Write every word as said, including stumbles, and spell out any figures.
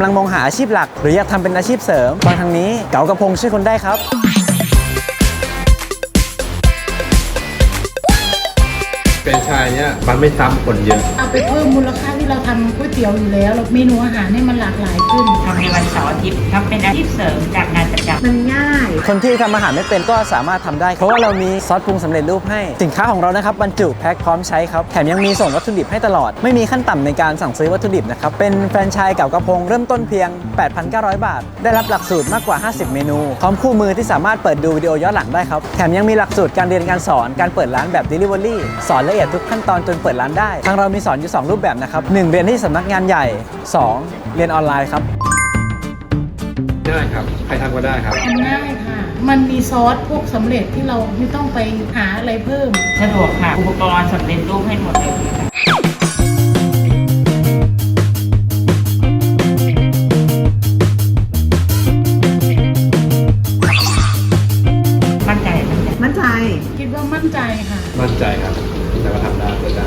ลังมองหาอาชีพหลักหรืออยากทำเป็นอาชีพเสริมฟังทางนี้เก๋ากระพงช่วยคุณได้ครับเป็นชายเนี่ยมันไม่ซ้ำคนเยอะเอาไปเพิ่มมูลค่าที่เราทำก๋วยเตี๋ยวอยู่แล้วเมนูอาหารให้มันหลากหลายขึ้นทำในวันเสาร์อาทิตย์ทำเป็นอาชีพเสริมจากงานประจำมันง่ายคนที่ทำอาหารไม่เป็นก็สามารถทำได้เพราะว่าเรามีซอสปรุงสำเร็จรูปให้สินค้าของเรานะครับบรรจุแพ็คพร้อมใช้ครับแถมยังมีส่งวัตถุดิบให้ตลอดไม่มีขั้นต่ำในการสั่งซื้อวัตถุดิบนะครับเป็นแฟรนไชส์เก๋ากระพงเริ่มต้นเพียง แปดพันเก้าร้อย บาทได้รับหลักสูตรมากกว่าห้าสิบเมนูพร้อมคู่มือที่สามารถเปิดดูวิดีโอย้อนหลังได้ครับแถมยังมีหลักสูตรการเรียนการสอนการเปิดร้านแบบ Delivery สอนละเอียดทุกขั้นตอนจนเปิดร้านได้ทางเรามีสอนอยู่สองรูปแบบนะครับหนึ่งเรียนที่สำนักงานใหญ่สองเรียนออนไลน์ครับง่ายครับใครทำก็ได้ครับทำง่ายค่ะมันมีซอสพวกสำเร็จที่เราไม่ต้องไปหาอะไรเพิ่มสะดวกค่ะอุปกรณ์สำเร็จรูปให้หมดเลยค่ะมั่นใจมั่นใจคิดว่ามั่นใจค่ะมั่นใจครับแต่ว่าทำได้เกิดได้